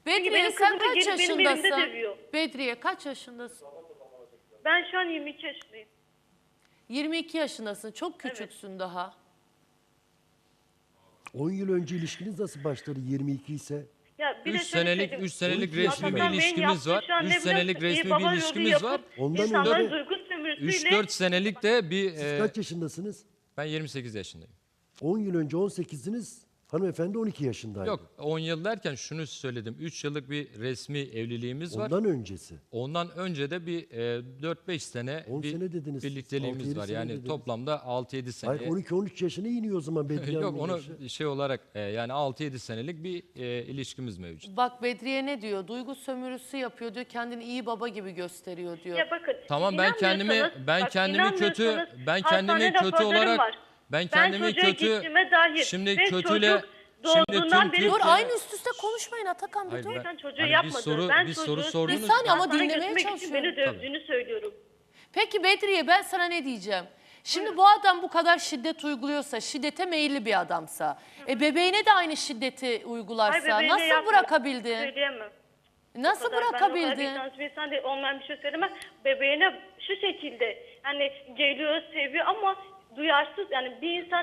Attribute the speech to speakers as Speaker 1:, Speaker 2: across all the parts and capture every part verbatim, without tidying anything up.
Speaker 1: Bedriye
Speaker 2: benim
Speaker 1: sen
Speaker 2: kızımı
Speaker 1: kaç
Speaker 2: gelip benim elimde
Speaker 1: yaşındasın?
Speaker 2: dövüyor.
Speaker 1: Bedriye kaç yaşındasın?
Speaker 2: Ben şu an yirmi iki yaşındayım.
Speaker 1: yirmi iki yaşındasın. Çok küçüksün daha.
Speaker 3: on yıl önce ilişkiniz nasıl başladı yirmi iki ise?
Speaker 2: Ya bir de
Speaker 4: üç
Speaker 2: şöyle
Speaker 4: senelik
Speaker 2: söyleyeyim.
Speaker 4: üç senelik
Speaker 3: on iki
Speaker 4: resmi bir
Speaker 3: yaşında.
Speaker 2: Atakan Bey'in
Speaker 4: ilişkimiz
Speaker 2: yaptığı
Speaker 4: var.
Speaker 2: şu an ne
Speaker 4: üç
Speaker 2: biliyor
Speaker 4: senelik
Speaker 2: musun? İyi
Speaker 4: resmi
Speaker 2: baba
Speaker 4: bir
Speaker 2: yolu
Speaker 4: ilişkimiz
Speaker 2: yapıp
Speaker 4: var.
Speaker 3: Ondan
Speaker 2: insanların
Speaker 3: önce-
Speaker 2: duygu sömürüsüyle.
Speaker 4: üç dört senelik de bir
Speaker 3: Siz
Speaker 4: e,
Speaker 3: kaç yaşındasınız?
Speaker 4: ben yirmi sekiz yaşındayım.
Speaker 3: on yıl önce on sekizdiniz. Hanımefendi on iki yaşındaydı.
Speaker 4: Yok on yıl derken şunu söyledim. üç yıllık bir resmi evliliğimiz var.
Speaker 3: Ondan öncesi.
Speaker 4: Ondan önce de bir e, dört beş sene
Speaker 3: on
Speaker 4: bir
Speaker 3: sene dediniz, altı
Speaker 4: birlikteliğimiz
Speaker 3: yedi
Speaker 4: var.
Speaker 3: sene
Speaker 4: Yani
Speaker 3: dediniz.
Speaker 4: toplamda altı yedi sene.
Speaker 3: Hayır on iki on üç yaşına iniyor o zaman Bedriye
Speaker 4: Yok
Speaker 3: Hanım'ın
Speaker 4: onu
Speaker 3: yaşı.
Speaker 4: şey olarak e, yani altı yedi senelik bir e, ilişkimiz mevcut.
Speaker 1: Bak Bedriye ne diyor? Duygu sömürüsü yapıyor diyor. Kendini iyi baba gibi gösteriyor diyor.
Speaker 2: Ya bakın,
Speaker 4: Tamam ben kendimi
Speaker 2: inanmıyorsanız-
Speaker 4: ben
Speaker 2: bak,
Speaker 4: kendimi kötü
Speaker 2: inanmıyorsanız
Speaker 4: ben
Speaker 2: hastane
Speaker 4: kendimi kötü
Speaker 2: raporlarım
Speaker 4: olarak
Speaker 2: var.
Speaker 4: ben kendimi
Speaker 2: çocuğa
Speaker 4: kötü
Speaker 2: gittiğime dair
Speaker 4: şimdi
Speaker 2: ve
Speaker 4: kötüyle
Speaker 2: çocuk
Speaker 4: şimdi
Speaker 2: doğduğundan
Speaker 4: tüm
Speaker 2: beri-
Speaker 1: Dur
Speaker 4: Türkiye-
Speaker 1: aynı üst üste konuşmayın Atakan bir
Speaker 4: Hayır,
Speaker 1: dur.
Speaker 4: ben-
Speaker 2: Sen çocuğu
Speaker 4: hani bir
Speaker 2: yapmadın.
Speaker 4: soru-
Speaker 2: ben
Speaker 4: bir soru
Speaker 2: çocuğu
Speaker 4: sordunuz.
Speaker 1: Bir saniye ama
Speaker 2: hastaneye
Speaker 1: dinlemeye
Speaker 2: götürmek için
Speaker 1: çalışıyorum.
Speaker 2: beni dövdüğünü söylüyorum.
Speaker 1: Peki Bedriye ben sana ne diyeceğim? Şimdi bu adam bu kadar şiddet uyguluyorsa, şiddete meyilli bir adamsa, e bebeğine de aynı şiddeti
Speaker 2: Hayır,
Speaker 1: uygularsa
Speaker 2: bebeğine
Speaker 1: nasıl
Speaker 2: yapma.
Speaker 1: bırakabildin?
Speaker 2: Söyleyemem.
Speaker 1: Nasıl
Speaker 2: O kadar- Ben o
Speaker 1: bırakabildin?
Speaker 2: kadar vicdansız bir insan değil, olmayan bir şey söylemem. Bebeğine şu şekilde yani geliyor, seviyor ama duyarsız. Yani bir insan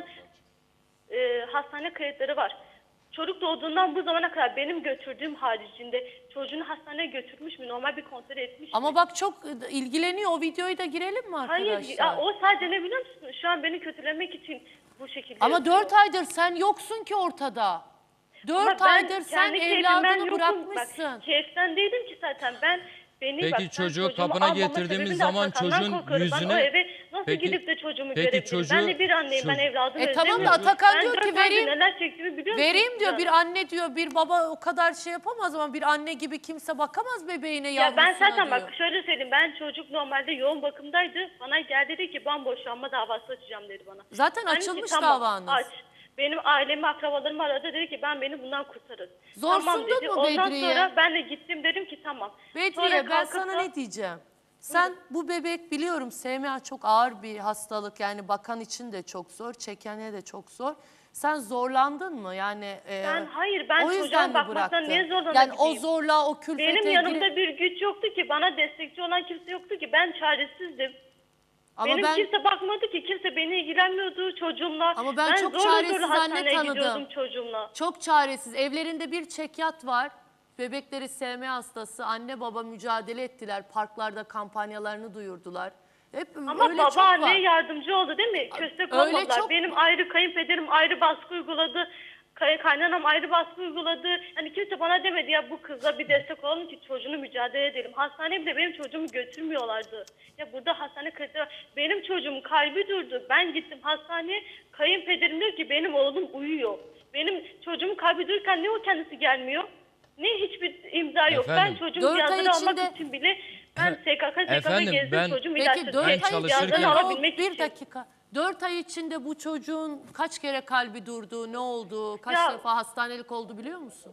Speaker 2: e, hastane kayıtları var. Çocuk doğduğundan bu zamana kadar benim götürdüğüm haricinde çocuğunu hastaneye götürmüş mü? Normal bir kontrol etmiş mi?
Speaker 1: Ama bak çok ilgileniyor. O videoyu da girelim mi arkadaşlar?
Speaker 2: Hayır, ya, o sadece ne biliyor musun? Şu an beni kötülemek için bu şekilde
Speaker 1: Ama
Speaker 2: yapıyor.
Speaker 1: dört aydır sen yoksun ki ortada.
Speaker 2: Ama
Speaker 1: Dört
Speaker 2: ben
Speaker 1: aydır sen
Speaker 2: kendi keyfimden
Speaker 1: evladını
Speaker 2: yokum.
Speaker 1: bırakmışsın.
Speaker 2: Bak, keyiften değilim ki zaten ben. Beni
Speaker 4: Peki
Speaker 2: bak, ben
Speaker 4: çocuğu
Speaker 2: çocuğumu
Speaker 4: kapına
Speaker 2: almama
Speaker 4: getirdiğimiz
Speaker 2: sebebim de
Speaker 4: zaman
Speaker 2: Atakan'dan
Speaker 4: çocuğun
Speaker 2: korkuyorum. Ben o
Speaker 4: yüzüne-
Speaker 2: eve nasıl
Speaker 4: Peki-
Speaker 2: gidip de çocuğumu
Speaker 4: peki
Speaker 2: görebilirim?
Speaker 4: çocuğu-
Speaker 2: Ben de bir anneyim, ben
Speaker 4: çocuk-
Speaker 2: evladımı
Speaker 1: E tamam da
Speaker 2: özlemiyorum.
Speaker 1: Atakan
Speaker 2: Ben
Speaker 1: diyor
Speaker 2: dört
Speaker 1: ki
Speaker 2: aydır
Speaker 1: vereyim-
Speaker 2: neler çektiğimi biliyor musun?
Speaker 1: Vereyim diyor bir
Speaker 2: Ya.
Speaker 1: anne diyor bir baba o kadar şey yapamaz ama bir anne gibi kimse bakamaz bebeğine
Speaker 2: Ya
Speaker 1: yavrusuna
Speaker 2: ben zaten
Speaker 1: diyor.
Speaker 2: bak şöyle söyleyeyim, ben çocuk normalde yoğun bakımdaydı. Bana geldi dedi ki ben boşanma davası açacağım dedi bana.
Speaker 1: Zaten
Speaker 2: Ben
Speaker 1: açılmış
Speaker 2: dedi ki, tamam,
Speaker 1: davanız.
Speaker 2: Aç. Benim ailemi, akrabalarımı aradı, dedi ki ben beni bundan kurtarın.
Speaker 1: Zorsundun
Speaker 2: Tamam dedi.
Speaker 1: mu
Speaker 2: Ondan
Speaker 1: Bedriye?
Speaker 2: sonra ben de gittim, dedim ki tamam.
Speaker 1: Bedriye
Speaker 2: Sonra
Speaker 1: ben
Speaker 2: kalkıp
Speaker 1: sana
Speaker 2: da-
Speaker 1: ne diyeceğim? Sen bu bebek biliyorum S M A çok ağır bir hastalık yani bakan için de çok zor, çekene de çok zor. Sen zorlandın mı? Yani e,
Speaker 2: Ben hayır, ben
Speaker 1: o yüzden
Speaker 2: çocuğa
Speaker 1: mi
Speaker 2: bakmaktan
Speaker 1: bıraktın?
Speaker 2: niye zorlanabilirim?
Speaker 1: Yani o zorluğa, o külfete
Speaker 2: Benim
Speaker 1: gir-
Speaker 2: yanımda bir güç yoktu ki, bana destekçi olan kimse yoktu ki, ben çaresizdim.
Speaker 1: Ama
Speaker 2: Benim
Speaker 1: ben
Speaker 2: kimse bakmadı ki, kimse beni ilgilenmiyordu çocuğumla.
Speaker 1: Ama ben çok
Speaker 2: zorla
Speaker 1: çaresiz
Speaker 2: zorla
Speaker 1: anne
Speaker 2: hastaneye
Speaker 1: tanıdım.
Speaker 2: gidiyordum çocuğumla.
Speaker 1: çok çaresiz. Evlerinde bir çekyat var. Bebekleri S M A hastası. Anne baba mücadele ettiler. Parklarda kampanyalarını duyurdular. Hep
Speaker 2: Ama
Speaker 1: öyle
Speaker 2: baba
Speaker 1: çok var.
Speaker 2: anneye yardımcı oldu değil mi? Köstek
Speaker 1: Öyle
Speaker 2: olmadılar.
Speaker 1: çok-
Speaker 2: Benim ayrı kayınpederim ayrı baskı uyguladı. Kay kaynanam ayrı baskı uyguladı. Yani kimse bana demedi ya bu kızla bir destek olalım ki çocuğunu mücadele edelim. Hastaneye bile benim çocuğumu götürmüyorlardı. Ya burada hastane kayıtları var. Benim çocuğum kalbi durdu. Ben gittim hastaneye. Kayınpederim diyor ki benim oğlum uyuyor. Benim çocuğum kalbi dururken ne o kendisi gelmiyor? Ne hiçbir imza yok.
Speaker 4: Efendim?
Speaker 2: Ben çocuğum
Speaker 1: Dört ay
Speaker 2: cihazını almak
Speaker 1: içinde-
Speaker 2: için bile ben S K K S K K'da
Speaker 4: Efendim,
Speaker 2: gezdim
Speaker 4: ben-
Speaker 2: çocuğum
Speaker 1: Peki
Speaker 2: ilaçları.
Speaker 1: dört
Speaker 4: Ben
Speaker 1: ay
Speaker 4: çalışırken-
Speaker 1: içinde
Speaker 2: Cihazını
Speaker 1: o-
Speaker 2: alabilmek
Speaker 1: bir
Speaker 2: için.
Speaker 1: dakika. Dört ay içinde bu çocuğun kaç kere kalbi durdu, ne oldu, kaç
Speaker 2: Ya-
Speaker 1: defa hastanelik oldu biliyor musun?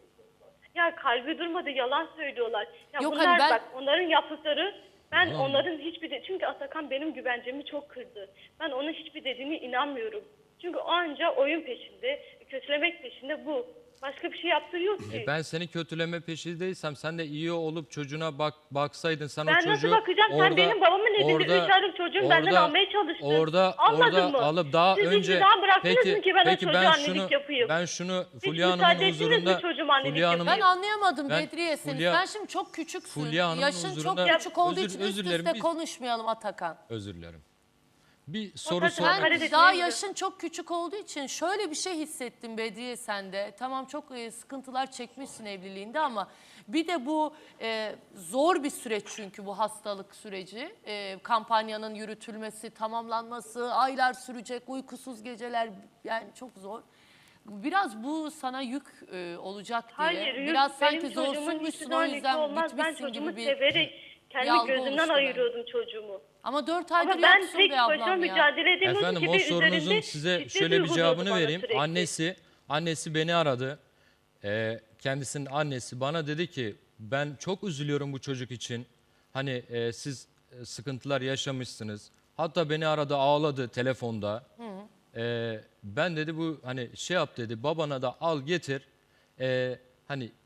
Speaker 2: Ya kalbi durmadı, yalan söylüyorlar. Ya
Speaker 1: Yok,
Speaker 2: bunlar
Speaker 1: hani ben-
Speaker 2: bak onların yaptıkları, ben
Speaker 4: Tamam.
Speaker 2: onların hiçbir de, çünkü Atakan benim güvencemi çok kırdı. Ben onun hiçbir dediğine inanmıyorum. Çünkü o anca oyun peşinde, kötülemek peşinde bu. Başka bir şey yaptığı yok ki.
Speaker 4: E ben seni kötüleme peşindeysem sen de iyi olup çocuğuna bak baksaydın sen
Speaker 2: Ben
Speaker 4: o
Speaker 2: nasıl
Speaker 4: çocuğu
Speaker 2: bakacağım? Sen benim babamın elinde üç aylık çocuğum benden almaya çalıştın.
Speaker 4: Orada
Speaker 2: Almadın
Speaker 4: orada
Speaker 2: mı?
Speaker 4: alıp daha
Speaker 2: Siz
Speaker 4: önce
Speaker 2: hiçbir zaman bıraktınız
Speaker 4: peki
Speaker 2: mı ki ben o
Speaker 4: peki
Speaker 2: çocuğa
Speaker 4: ben
Speaker 2: annelik
Speaker 4: şunu
Speaker 2: yapayım?
Speaker 4: ben şunu
Speaker 2: Hiç
Speaker 4: Fulya
Speaker 2: müsaade
Speaker 4: Hanım'ın
Speaker 2: ettiniz mi
Speaker 4: huzurunda
Speaker 2: çocuğuma annelik
Speaker 4: Fulya
Speaker 2: yapayım?
Speaker 4: Hanım'ın
Speaker 1: Ben anlayamadım
Speaker 4: Ben
Speaker 1: Bedriye seni.
Speaker 4: Fulya-
Speaker 1: Sen şimdi çok küçüksün.
Speaker 4: Fulya Hanım'ın
Speaker 1: Yaşın
Speaker 4: huzurunda-
Speaker 1: çok küçük olduğu
Speaker 4: Özür-
Speaker 1: için
Speaker 4: özür
Speaker 1: üst
Speaker 4: dilerim,
Speaker 1: üste
Speaker 4: biz-
Speaker 1: konuşmayalım Atakan.
Speaker 4: özür dilerim. Bir soru
Speaker 2: zaten
Speaker 4: sor.
Speaker 2: hakaret
Speaker 1: Ben
Speaker 2: etmeye
Speaker 1: daha
Speaker 2: gidiyor.
Speaker 1: yaşın çok küçük olduğu için şöyle bir şey hissettim Bedriye sende. Tamam çok e, sıkıntılar çekmişsin evliliğinde ama bir de bu e, zor bir süreç çünkü bu hastalık süreci. E, kampanyanın yürütülmesi, tamamlanması, aylar sürecek, uykusuz geceler yani çok zor. Biraz bu sana yük e, olacak diye.
Speaker 2: Hayır, yük
Speaker 1: Biraz
Speaker 2: benim
Speaker 1: sanki
Speaker 2: çocuğumun
Speaker 1: zorsunmuşsun
Speaker 2: hiçbir
Speaker 1: o
Speaker 2: zaman yükü
Speaker 1: yüzden
Speaker 2: olmaz. Ben
Speaker 1: bitmişsin
Speaker 2: çocuğumu
Speaker 1: gibi bir...
Speaker 2: severek kendi
Speaker 1: algı
Speaker 2: gözümden
Speaker 1: oluştu bende.
Speaker 2: ayırıyordum çocuğumu.
Speaker 1: Ama dört aydır
Speaker 2: Ama ben
Speaker 1: yoksun
Speaker 2: tek
Speaker 1: be
Speaker 2: başıma
Speaker 1: ablam ya.
Speaker 2: mücadele edemiyordum
Speaker 4: Efendim
Speaker 2: ki
Speaker 4: o
Speaker 2: ve
Speaker 4: sorunuzun
Speaker 2: üzerinde
Speaker 4: size
Speaker 2: şiddet
Speaker 4: şöyle bir
Speaker 2: uyguluyordu
Speaker 4: cevabını
Speaker 2: bana
Speaker 4: vereyim.
Speaker 2: sürekli.
Speaker 4: Annesi annesi beni aradı. Ee, kendisinin annesi bana dedi ki ben çok üzülüyorum bu çocuk için. Hani e, siz e, sıkıntılar yaşamışsınız. Hatta beni aradı ağladı telefonda. Ee, ben dedi bu hani şey yap dedi babana da al getir. Ee, hani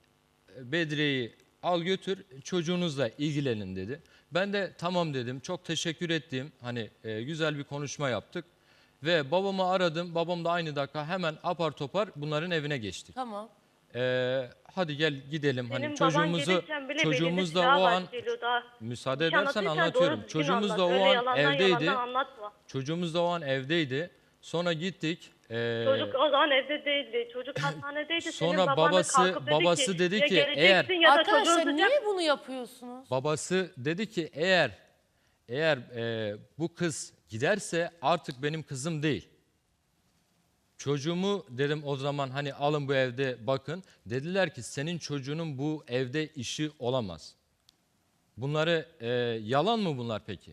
Speaker 4: Bedriye'yi al götür çocuğunuzla ilgilenin dedi. Ben de tamam dedim. Çok teşekkür ettim. Hani e, güzel bir konuşma yaptık. Ve babamı aradım. Babam da aynı dakika hemen apar topar bunların evine geçtik.
Speaker 1: Tamam.
Speaker 4: Ee, hadi gel gidelim.
Speaker 2: Benim
Speaker 4: Hani
Speaker 2: baban
Speaker 4: çocuğumuzu
Speaker 2: gelirken bile
Speaker 4: çocuğumuz
Speaker 2: belirli
Speaker 4: da o
Speaker 2: silahlar
Speaker 4: an
Speaker 2: geliyor daha.
Speaker 4: müsaade
Speaker 2: Bir şey
Speaker 4: edersen
Speaker 2: anlatırsan
Speaker 4: anlatıyorum.
Speaker 2: doğru düzgün
Speaker 4: Çocuğumuz da
Speaker 2: anlat.
Speaker 4: o
Speaker 2: Öyle
Speaker 4: an
Speaker 2: yalandan
Speaker 4: evdeydi.
Speaker 2: yalandan anlatma.
Speaker 4: Çocuğumuz da o an evdeydi. Sonra gittik. Ee,
Speaker 2: Çocuk o zaman evde değildi. Çocuk hastanedeydi.
Speaker 4: Sonra
Speaker 2: Senin baban da
Speaker 4: babası-
Speaker 2: kalkıp dedi
Speaker 4: babası
Speaker 2: ki,
Speaker 4: dedi
Speaker 2: ya
Speaker 4: ki,
Speaker 2: geleceksin
Speaker 4: eğer-
Speaker 2: ya da
Speaker 1: Arkadaşlar
Speaker 2: çocuğun
Speaker 1: niye
Speaker 2: tutacak.
Speaker 1: bunu yapıyorsunuz?
Speaker 4: babası dedi ki eğer eğer e, bu kız giderse artık benim kızım değil. Çocuğumu dedim o zaman hani alın bu evde bakın. Dediler ki senin çocuğunun bu evde işi olamaz. Bunları e, yalan mı bunlar peki?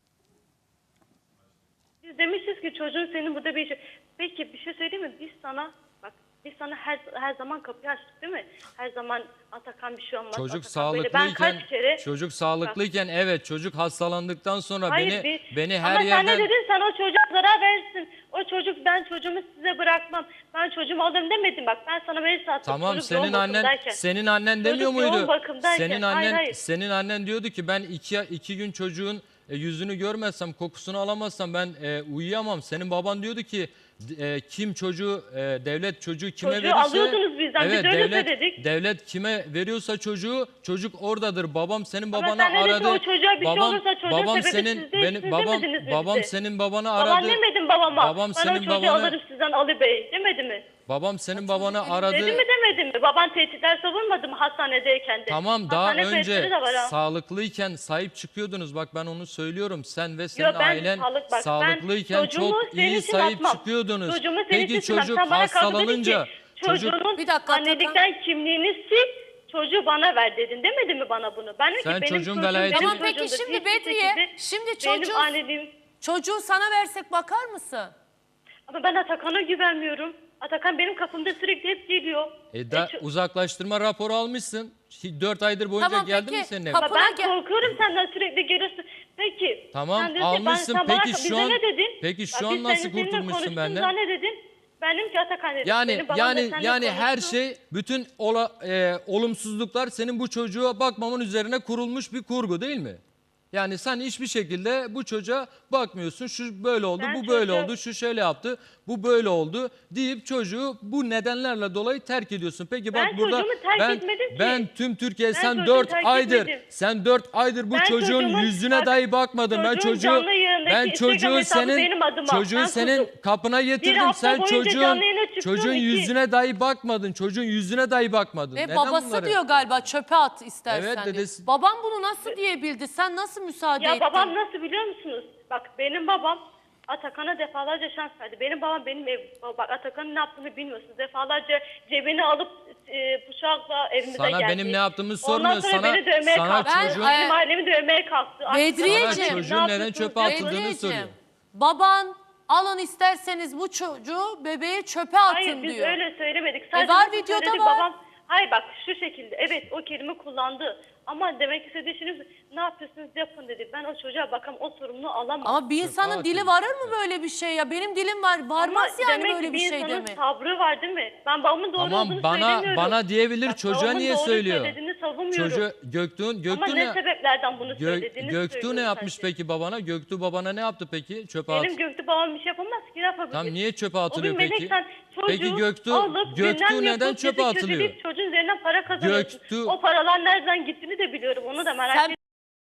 Speaker 2: Biz demişiz ki çocuğun senin burada bir işi. Peki bir şey söyleyeyim mi? Biz sana bak biz sana her her zaman kapıyı açtık değil mi? Her zaman Atakan bir şey olmaz.
Speaker 4: Çocuk
Speaker 2: Atakan böyle. Ben
Speaker 4: sağlıklıyken
Speaker 2: kaç kere
Speaker 4: çocuk sağlıklıyken evet çocuk hastalandıktan sonra
Speaker 2: Hayır,
Speaker 4: beni
Speaker 2: bir-
Speaker 4: beni her
Speaker 2: ama sen
Speaker 4: yerden
Speaker 2: ne dedin? Sen o çocuğa zarar verirsin. O çocuk ben çocuğumu size bırakmam. Ben çocuğumu alırım demedim bak. Ben sana mail attım.
Speaker 4: Tamam
Speaker 2: Çocuk
Speaker 4: senin
Speaker 2: yoğun
Speaker 4: annen
Speaker 2: bakımdayken.
Speaker 4: senin annen demiyor
Speaker 2: Çocuk yoğun
Speaker 4: muydu?
Speaker 2: bakımdayken.
Speaker 4: Senin
Speaker 2: Hayır,
Speaker 4: annen
Speaker 2: hayır.
Speaker 4: senin annen diyordu ki ben iki iki gün çocuğun e, yüzünü görmezsem, kokusunu alamazsam ben e, uyuyamam. Senin baban diyordu ki e, kim çocuğu e, devlet çocuğu kime
Speaker 2: Çocuğu
Speaker 4: verirse
Speaker 2: alıyordunuz bizden, biz
Speaker 4: evet
Speaker 2: öyle
Speaker 4: devlet
Speaker 2: söyledik.
Speaker 4: devlet kime veriyorsa çocuğu çocuk oradadır. Babam senin
Speaker 2: Ama
Speaker 4: babana
Speaker 2: sen ne dedin,
Speaker 4: aradı.
Speaker 2: o çocuğa bir şey
Speaker 4: babam
Speaker 2: olursa çocuğun
Speaker 4: babam
Speaker 2: sebebi
Speaker 4: senin
Speaker 2: siz değil,
Speaker 4: benim
Speaker 2: siz
Speaker 4: babam
Speaker 2: demediniz mi
Speaker 4: babam
Speaker 2: bize?
Speaker 4: senin babana aradı.
Speaker 2: Baban demedin babama.
Speaker 4: Babam
Speaker 2: ben o
Speaker 4: senin
Speaker 2: çocuğu
Speaker 4: babana
Speaker 2: alırım sizden Ali Bey demedi mi?
Speaker 4: babam senin babana aradı.
Speaker 2: Dedi mi demedi mi? Baban tehditler savunmadı mı hastanedeyken de?
Speaker 4: Tamam daha
Speaker 2: Hastane
Speaker 4: önce
Speaker 2: kayıtları da var ha.
Speaker 4: sağlıklıyken sahip çıkıyordunuz. Bak ben onu söylüyorum. Sen ve senin
Speaker 2: Yo, ben
Speaker 4: ailen
Speaker 2: sağlık- bak, ben
Speaker 4: sağlıklıyken
Speaker 2: çocuğumu
Speaker 4: çok
Speaker 2: senin
Speaker 4: iyi
Speaker 2: için
Speaker 4: sahip
Speaker 2: atmam.
Speaker 4: çıkıyordunuz.
Speaker 2: Çocuğumu senin
Speaker 4: Peki
Speaker 2: için atmam.
Speaker 4: çocuk
Speaker 2: Sen bana kalktın dedin
Speaker 4: hastalanınca
Speaker 2: ki,
Speaker 4: çocuk
Speaker 2: çocuğunun
Speaker 1: Bir dakika,
Speaker 2: annelikten kimliğini sil, çocuğu bana ver dedin demedi mi bana bunu? Ben dedim
Speaker 4: Sen
Speaker 2: ki benim
Speaker 4: çocuğun
Speaker 2: çocuğum
Speaker 4: velayetini-
Speaker 2: benim
Speaker 1: Tamam peki
Speaker 2: çocuğumdur.
Speaker 1: şimdi
Speaker 2: Hiçbir
Speaker 1: Bedriye,
Speaker 2: şekilde
Speaker 1: şimdi
Speaker 2: benim
Speaker 1: çocuğu,
Speaker 2: anneliğim.
Speaker 1: çocuğu sana versek bakar mısın?
Speaker 2: Ama ben Atakan'a güvenmiyorum. Atakan benim kapımda sürekli hep geliyor.
Speaker 4: e, da,
Speaker 2: E, ço-
Speaker 4: uzaklaştırma raporu almışsın. dört aydır boyunca
Speaker 1: Tamam,
Speaker 4: geldi
Speaker 1: peki,
Speaker 4: mi senin evine?
Speaker 1: kapı-
Speaker 2: Ama ben
Speaker 1: Kapına gel-
Speaker 2: korkuyorum senden sürekli geliyorsun. Peki.
Speaker 4: Tamam,
Speaker 2: sen diyorsun ki, ben-
Speaker 4: almışsın.
Speaker 2: sen bana-
Speaker 4: Peki şu
Speaker 2: bize
Speaker 4: an-
Speaker 2: ne dedin?
Speaker 4: peki şu
Speaker 2: Bak,
Speaker 4: an
Speaker 2: biz
Speaker 4: nasıl
Speaker 2: senin- seninle
Speaker 4: kurtulmuşsun benden?
Speaker 2: konuştuğumuzda ne dedin? Benim ki Atakan dedim.
Speaker 4: Yani
Speaker 2: Benim babam da
Speaker 4: yani
Speaker 2: seninle
Speaker 4: yani her
Speaker 2: konuştu.
Speaker 4: şey bütün ola, e, olumsuzluklar senin bu çocuğa bakmamın üzerine kurulmuş bir kurgu değil mi? Yani sen hiçbir şekilde bu çocuğa bakmıyorsun. Şu böyle oldu,
Speaker 2: Ben
Speaker 4: bu böyle
Speaker 2: çocuğu-
Speaker 4: oldu, şu şöyle yaptı, bu böyle oldu deyip çocuğu bu nedenlerle dolayı terk ediyorsun. Peki bak
Speaker 2: Ben
Speaker 4: burada
Speaker 2: çocuğumu terk
Speaker 4: ben
Speaker 2: etmedim ki.
Speaker 4: ben tüm Türkiye
Speaker 2: Ben
Speaker 4: sen
Speaker 2: çocuğumu
Speaker 4: dört
Speaker 2: terk
Speaker 4: aydır
Speaker 2: etmedim.
Speaker 4: sen dört aydır bu
Speaker 2: Ben
Speaker 4: çocuğun
Speaker 2: çocuğumun-
Speaker 4: yüzüne
Speaker 2: bak,
Speaker 4: dahi bakmadın. Ben
Speaker 2: çocuğun
Speaker 4: çocuğu
Speaker 2: canlı yayındaki
Speaker 4: ben
Speaker 2: Instagram
Speaker 4: çocuğu
Speaker 2: hesabı
Speaker 4: senin
Speaker 2: benim adıma.
Speaker 4: çocuğu
Speaker 2: Ben
Speaker 4: senin
Speaker 2: kurdum.
Speaker 4: kapına getirdim.
Speaker 2: hafta
Speaker 4: Sen
Speaker 2: boyunca
Speaker 4: çocuğun
Speaker 2: canlı yayına çıktım,
Speaker 4: çocuğun
Speaker 2: iki-
Speaker 4: yüzüne dahi bakmadın. Çocuğun yüzüne dahi bakmadın.
Speaker 1: Ve
Speaker 4: Neden
Speaker 1: babası
Speaker 4: bunları?
Speaker 1: diyor galiba çöpe at istersen
Speaker 4: Evet,
Speaker 1: diyor.
Speaker 4: dedesi-
Speaker 1: Babam bunu nasıl diyebildi? Sen nasıl müsaade
Speaker 2: Ya
Speaker 1: ettin?
Speaker 2: babam nasıl biliyor musunuz? Bak benim babam Atakan'a defalarca şans verdi. Benim babam benim ev, bak Atakan'ın ne yaptığını bilmiyorsunuz. Defalarca cebini alıp e, bıçakla evimize
Speaker 4: Sana
Speaker 2: geldi.
Speaker 4: benim ne yaptığımı
Speaker 2: Ondan
Speaker 4: sormuyor.
Speaker 2: sonra
Speaker 4: Sana-
Speaker 2: beni dövmeye
Speaker 4: sana
Speaker 2: kalktı.
Speaker 1: çocuğun-
Speaker 2: Benim ailemi dövmeye kalktı.
Speaker 1: Bedriyeciğim.
Speaker 2: Sana
Speaker 4: çocuğun
Speaker 2: ne
Speaker 4: neden
Speaker 2: yapıyorsunuz,
Speaker 4: çöpe
Speaker 2: ne
Speaker 4: atıldığını
Speaker 2: yapıyorsunuz?
Speaker 4: soruyor.
Speaker 1: Bedriyeciğim, baban alın isterseniz bu çocuğu bebeğe çöpe atın
Speaker 2: Hayır biz
Speaker 1: diyor.
Speaker 2: öyle söylemedik. Sadece
Speaker 1: var,
Speaker 2: nasıl
Speaker 1: videoda
Speaker 2: söyledik,
Speaker 1: var.
Speaker 2: Babam, hayır bak şu şekilde evet o kelime kullandı. Ama demek istediği şey ne yapıyorsunuz yapın dedi. Ben o çocuğa bakam o sorumluluğu alamam.
Speaker 1: Ama bir insanın
Speaker 4: at
Speaker 1: dili
Speaker 4: dedi.
Speaker 1: varır mı böyle bir şey ya? Benim dilim var. Varmaz
Speaker 2: Ama
Speaker 1: yani
Speaker 2: demek
Speaker 1: böyle
Speaker 2: ki
Speaker 1: bir şey
Speaker 2: insanın
Speaker 1: demek.
Speaker 2: sabrı var değil mi? Ben babamın doğru
Speaker 4: Tamam,
Speaker 2: olduğunu
Speaker 4: bana-
Speaker 2: söylemiyorum.
Speaker 4: bana diyebilir,
Speaker 2: Bak,
Speaker 4: çocuğa
Speaker 2: babamın
Speaker 4: niye
Speaker 2: doğru
Speaker 4: söylüyor?
Speaker 2: söylediğini savunmuyorum.
Speaker 4: Çocuğu Göktuğ
Speaker 2: Ama
Speaker 4: Göktuğ
Speaker 2: ne
Speaker 4: ne?
Speaker 2: sebeplerden bunu
Speaker 4: Gö,
Speaker 2: söylediğini
Speaker 4: Göktuğ ne
Speaker 2: söylüyorum
Speaker 4: yapmış
Speaker 2: sadece.
Speaker 4: peki babana? Göktuğ babana ne yaptı peki? Çöpe at.
Speaker 2: Benim Göktuğ babam bir şey yapamaz ki yapabilir.
Speaker 4: Tam niye çöpe
Speaker 2: O
Speaker 4: atılıyor
Speaker 2: bir melek,
Speaker 4: peki?
Speaker 2: sen çocuğu
Speaker 4: Peki Göktuğ
Speaker 2: alıp
Speaker 4: Göktuğ
Speaker 2: gündem
Speaker 4: neden
Speaker 2: yapıp
Speaker 4: çöpe
Speaker 2: bizi
Speaker 4: atılıyor?
Speaker 2: kötüleyip çocuğun üzerinden para kazanıyorsun.
Speaker 4: Göktuğ-
Speaker 2: O paralar nereden gittiğini de biliyorum. Onu da merak
Speaker 1: Sen-
Speaker 2: etme.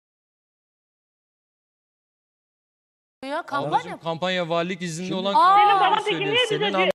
Speaker 1: Ya kampanya.
Speaker 4: Ablacığım kampanya valilik izinli
Speaker 3: Şimdi-
Speaker 4: olan
Speaker 1: Aa!
Speaker 4: kampanya
Speaker 1: Senin
Speaker 2: baban peki
Speaker 4: söylüyor.
Speaker 2: niye bize
Speaker 4: Senin,
Speaker 2: diyor-
Speaker 4: al-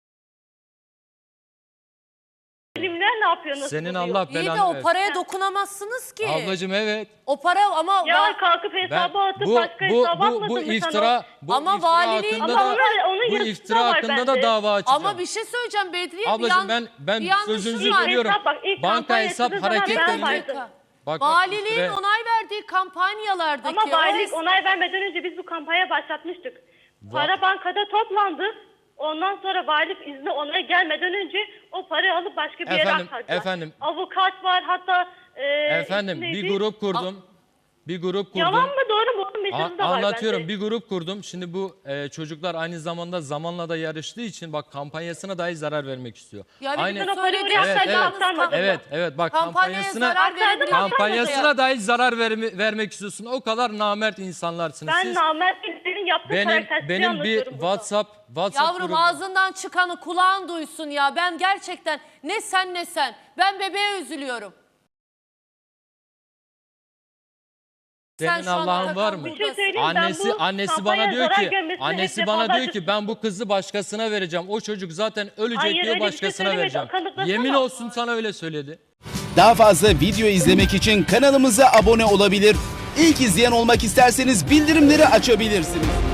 Speaker 2: Bilimler ne yapıyor nasıl
Speaker 4: senin
Speaker 2: buluyor?
Speaker 4: Allah
Speaker 1: İyi de
Speaker 4: belanı
Speaker 1: o
Speaker 4: versin.
Speaker 1: paraya dokunamazsınız ki.
Speaker 4: Ablacığım evet.
Speaker 1: O para ama
Speaker 2: Ya
Speaker 1: va-
Speaker 2: kalkıp
Speaker 4: Ben
Speaker 2: hesaba atıp
Speaker 4: bu
Speaker 2: başka
Speaker 4: bu
Speaker 2: hesaba
Speaker 4: bu
Speaker 2: atmadın
Speaker 4: bu
Speaker 2: mı sen
Speaker 4: iftira
Speaker 2: o?
Speaker 4: bu
Speaker 1: Ama
Speaker 4: iftira
Speaker 1: valiliğin-
Speaker 4: hakkında
Speaker 2: Ama
Speaker 4: da
Speaker 2: onun- onun
Speaker 4: bu
Speaker 2: yazısı da
Speaker 4: iftira
Speaker 2: var
Speaker 4: hakkında
Speaker 2: bende.
Speaker 4: da dava açacağım.
Speaker 1: ama bir şey söyleyeceğim Bedriye. bir
Speaker 4: Ablacığım
Speaker 1: yan-
Speaker 4: ben ben
Speaker 1: bir yanlışınız
Speaker 4: sözünüzü
Speaker 1: var.
Speaker 4: bölüyorum.
Speaker 2: Hesap bak, ilk
Speaker 4: Banka
Speaker 2: kampanya
Speaker 4: hesap
Speaker 2: açıldığı zaman ben
Speaker 4: hareketlerini
Speaker 2: vardım.
Speaker 4: bak, bak,
Speaker 1: Valiliğin
Speaker 4: süre-
Speaker 1: onay verdiği kampanyalardaki
Speaker 2: Ama valilik
Speaker 1: o-
Speaker 2: onay vermeden önce biz bu kampanya başlatmıştık. Para bankada toplandı. Ondan sonra valilik izni onay gelmeden önce o parayı alıp başka bir yere
Speaker 4: Efendim,
Speaker 2: aktardılar.
Speaker 4: efendim.
Speaker 2: Avukat var hatta e,
Speaker 4: Efendim
Speaker 2: ismi
Speaker 4: bir
Speaker 2: neydi?
Speaker 4: grup kurdum. Bir grup kurdum.
Speaker 2: Yalan mı doğru mu? Onun
Speaker 4: A-
Speaker 2: mesajı da var
Speaker 4: anlatıyorum.
Speaker 2: bende.
Speaker 4: Bir grup kurdum. Şimdi bu e, çocuklar aynı zamanda zamanla da yarıştığı için bak kampanyasına dahi zarar vermek istiyor.
Speaker 1: Yani
Speaker 4: aynı
Speaker 1: bütün o
Speaker 2: söylediğiniz
Speaker 1: parayı
Speaker 4: Evet,
Speaker 2: Aktardı,
Speaker 4: evet.
Speaker 2: aktarmadı.
Speaker 4: Evet, evet. Bak
Speaker 1: kampanyaya
Speaker 4: kampanyasına
Speaker 1: zarar verebilir.
Speaker 4: kampanyasına dahi zarar verme- vermek istiyorsun. O kadar namert insanlarsınız
Speaker 2: Ben
Speaker 4: siz.
Speaker 2: namert birinin yaptığı
Speaker 4: Benim
Speaker 2: karaktersizliği
Speaker 4: benim bir
Speaker 2: anlatıyorum burada.
Speaker 4: WhatsApp WhatsApp
Speaker 1: Yavrum
Speaker 4: grubu.
Speaker 1: ağzından çıkanı kulağın duysun ya. Ben gerçekten ne sen ne sen. Ben bebeğe üzülüyorum.
Speaker 4: Senin
Speaker 1: şu anda
Speaker 4: Allah'ın
Speaker 1: takım
Speaker 4: var mı?
Speaker 1: buradasın.
Speaker 2: Bir şey söyleyeyim, ben
Speaker 4: Annesi
Speaker 2: bu
Speaker 4: annesi
Speaker 2: kampanyaya
Speaker 4: bana diyor
Speaker 2: zarar
Speaker 4: ki
Speaker 2: görmesini
Speaker 4: annesi
Speaker 2: hep
Speaker 4: bana diyor
Speaker 2: defalarca
Speaker 4: ki ben bu kızı başkasına vereceğim. O çocuk zaten ölecek
Speaker 2: Hayır,
Speaker 4: diyor
Speaker 2: öyle bir şey
Speaker 4: başkasına
Speaker 2: söylemedi.
Speaker 4: vereceğim.
Speaker 2: Kanıtlasana.
Speaker 4: Yemin olsun sana öyle söyledi.
Speaker 5: Daha fazla video izlemek için kanalımıza abone olabilir. İlk izleyen olmak isterseniz bildirimleri açabilirsiniz.